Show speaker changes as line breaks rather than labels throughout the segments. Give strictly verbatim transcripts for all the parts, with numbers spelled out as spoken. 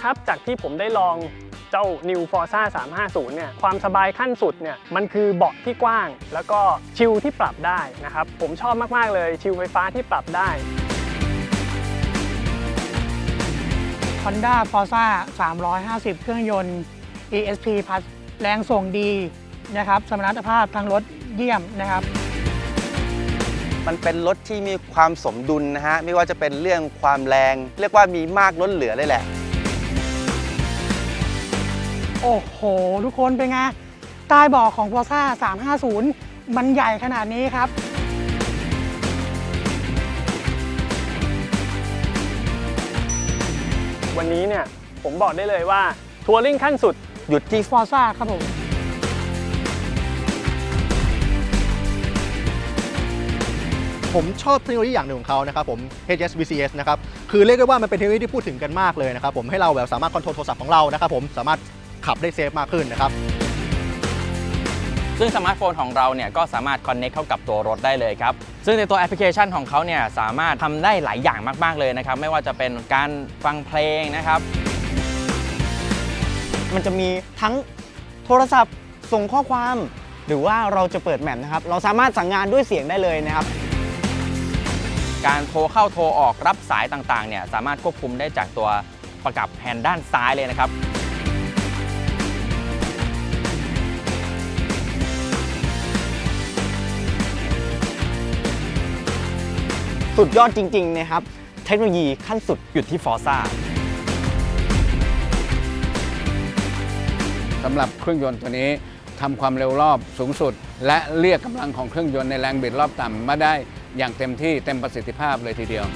ครับจากที่ผมได้ลองเจ้า New Forza สามห้าศูนย์เนี่ยความสบายขั้นสุดเนี่ยมันคือเบาะที่กว้างแล้วก็ชิลที่ปรับได้นะครับผมชอบมากๆเลยชิลไฟฟ้าที่ปรับได้
Honda Forza สามร้อยห้าสิบ เครื่องยนต์ อี เอส พี Plus แรงส่งดีนะครับสมรรถภาพทางรถเยี่ยมนะครับ
มันเป็นรถที่มีความสมดุลนะฮะไม่ว่าจะเป็นเรื่องความแรงเรียกว่ามีมากล้นเหลือเลยแหละ
โอ้โหทุกคนเป็นไงใต้เบาะของ Forza สามห้าศูนย์มันใหญ่ขนาดนี้ครับ
วันนี้เนี่ยผมบอกได้เลยว่าทัวริ่งขั้นสุด
หยุดที่
Forza ครับผม
ผมชอบเทคโนโลยีอย่างหนึ่งของเขานะครับผม เอช เอส วี ซี เอส นะครับคือเรียกได้ว่ามันเป็นเทคโนโลยีที่พูดถึงกันมากเลยนะครับผมให้เราแบบสามารถคอนโทรลโทรศัพท์ของเรานะครับผมสามารถขับได้เซฟมากขึ้นนะครับ
ซึ่งสมาร์ทโฟนของเราเนี่ยก็สามารถ Connect เข้ากับตัวรถได้เลยครับซึ่งในตัวแอปพลิเคชันของเขาเนี่ยสามารถทำได้หลายอย่างมากๆเลยนะครับไม่ว่าจะเป็นการฟังเพลงนะครับ
มันจะมีทั้งโทรศัพท์ส่งข้อความหรือว่าเราจะเปิดแมปนะครับเราสามารถสั่งงานด้วยเสียงได้เลยนะครับ
การโทรเข้าโทรออกรับสายต่างๆเนี่ยสามารถควบคุมได้จากตัวประกับแฮนด์ด้านซ้ายเลยนะครับ
สุดยอดจริงๆนะครับเทคโนโลยีขั้นสุดอยู่ที่ Forza
สำหรับเครื่องยนต์ตัวนี้ทำความเร็วรอบสูงสุดและเรียกกำลังของเครื่องยนต์ในแรงบิดรอบต่ำมาได้อย่างเต็มที่เต็มประสิทธิภาพเลยทีเดียว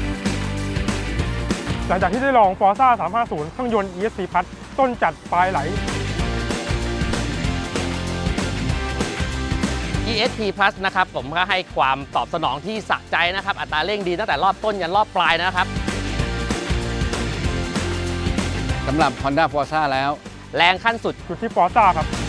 หลังจากที่ได้ลอง Forza สามห้าศูนย์ เครื่องยนต์ อี เอส พี Plus ต้นจัดปลายไหล
อี เอส พี Plus นะครับผมก็ให้ความตอบสนองที่สะใจนะครับอัตราเร่งดีตั้งแต่รอบต้นยันรอบปลายนะครับ
สำหรับ Honda Forza แล้ว
แรงขั้นสุด
อยู่ที่ Forza ครับ